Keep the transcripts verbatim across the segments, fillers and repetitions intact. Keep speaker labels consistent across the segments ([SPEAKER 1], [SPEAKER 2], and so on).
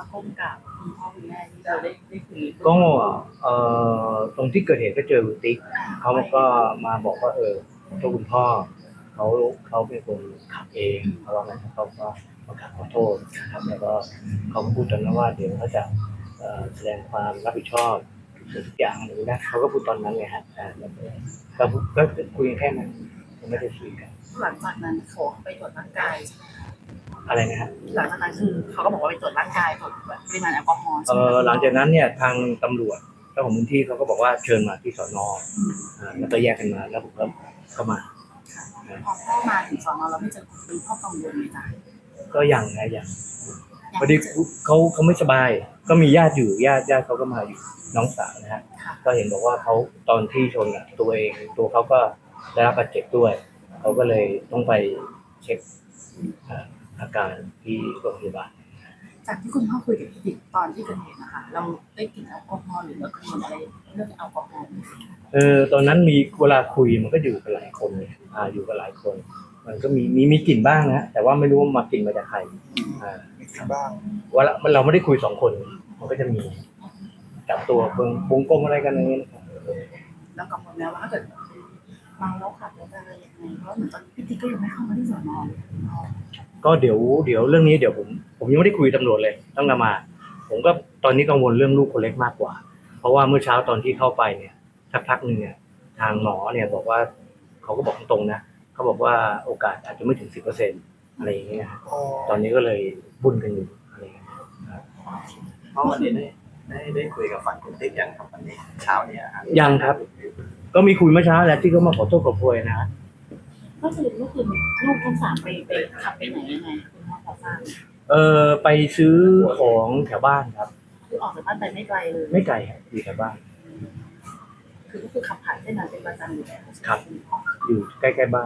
[SPEAKER 1] ก้มกราบคุณพ่อคุณแม่ที่เราได้ได้คุย
[SPEAKER 2] ก็เอ่อตรงที่เกิดเหตุก็เจอคุณติ๊กเขาก็มาบอกว่าเออตัวคุณพ่อเขาเขาเป็นคนขับเองเขาว่างั้นเขาก็มาขอโทษครับแล้วก็เขาก็พูดตอนนั้นว่าเดี๋ยวเขาจะเอ่อแสดงความรับผิดชอบทุกอย่างหรือนะเขาก็พูดตอนนั้นไงฮะอ่าแล้วก็ก็คุยแค่นั้นไม่ได้คุยกัน
[SPEAKER 1] หลังจากนั้นเขาไปตรวจร่างกาย
[SPEAKER 2] อะไรนะฮะ
[SPEAKER 1] หลังจากนั้นคือเขาก็บอกว่าไปตรวจร่างกายตรวจปริมาณแอลกอฮอล์
[SPEAKER 2] เออหลังจากนั้นเนี่ยทางตำรวจเจ้าของพื้นที่เขาก็บอกว่าเชิญมาที่สนอ่าแล้วก็แยกกันมาแล้วผมก็เข้ามา
[SPEAKER 1] พอพ่อมาถึงสอนอเราไม่เจอคุณพ่อกังวลไหมจ๊ะ
[SPEAKER 2] ก็ยังนะยังพอดีเขาเขาไม่สบายก็มีญาติอยู่ญาติญาติเขาก็มาอยู่น้องสาวนะฮะก็เห็นบอกว่าเขาตอนที่ชนอ่ะตัวเองตัวเขาก็ได้รับบาดเจ็บด้วยเขาก็เลยต้องไปเช็คอาการที่โรงพยาบาล
[SPEAKER 1] จากที่คุณพ่อคุยกับพี่ติ๊กตอนที่เกิดเหตุนะคะเราได้กลิ่นแอลกอฮอล์หรือเรากังวลอะไรเรื่องแอลกอฮอล์
[SPEAKER 2] เออตอนนั้นมีเวลาคุยมันก็อยู่กับหลายคนอ่าอยู่กับหลายคนมันก็มีมีมีกลิ่นบ้างนะแต่ว่าไม่รู้ว่ามากลิ่นมาจากใครอ่า
[SPEAKER 3] มีกลิ่นบ้าง
[SPEAKER 2] ว่าเราไม่ได้คุยสองคนมันก็จะมีจับตัวเบิ่งวงกลมอะไรกันอย่างเงี้ย
[SPEAKER 1] แล้วกังวลแล้วว่าถ้าเกิดเมาแล้วขับรถอะไรยังไงเพราะเหมือนตอนพี่ติ๊กก็ยังไม่เข้ามาที่สอนอ
[SPEAKER 2] ก็เดี๋ยวเดี๋ยวเรื่องนี้เดี๋ยวผมผมยังไม่ได้คุยตำรวจเลยต้องนำมาผมก็ตอนนี้กังวลเรื่องลูกคนเล็กมากกว่าเพราะว่าเมื่อเช้าตอนที่เข้าไปเนี่ยสักพักหนึ่งเนี่ยทางหมอเนี่ยบอกว่าเขาก็บอกตรงๆนะเขาบอกว่าโอกาสอาจจะไม่ถึงสิบเปอร์เซ็นต์อะไรอย่างเงี้ยตอนนี้ก็เลยบุญกันอยู่อะไรอย่างเงี้ย
[SPEAKER 3] เพราะวันนี้ได้ได้ได้คุยกับฝั่งคุณติ๊กยังครับวันนี้เช้าเนี่ย
[SPEAKER 2] ยังครับก็มีคุยเมื่อเช้าแหละที่เขามาขอโทษขอโพยนะ
[SPEAKER 1] ก็คือลูกคือลูกทั้งสามไปไปขับไปไหนยังไงคุณพ่อพอทราบ
[SPEAKER 2] เออไปซื้อของแถวบ้านครับ
[SPEAKER 1] คือออกจากบ้านไปไม่ไกลเลย
[SPEAKER 2] ไม่ไกลครับอยู่แถวบ้าน
[SPEAKER 1] คือก็คือขับผ่านเส้นนั้นเป็นประจำอยู่แล้ว
[SPEAKER 2] ครับอยู่ใกล้ๆบ้าน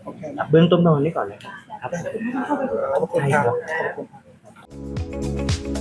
[SPEAKER 2] เบื้องต้นนอนนี้ก่อนเลยครับ
[SPEAKER 3] ขอบคุณครับ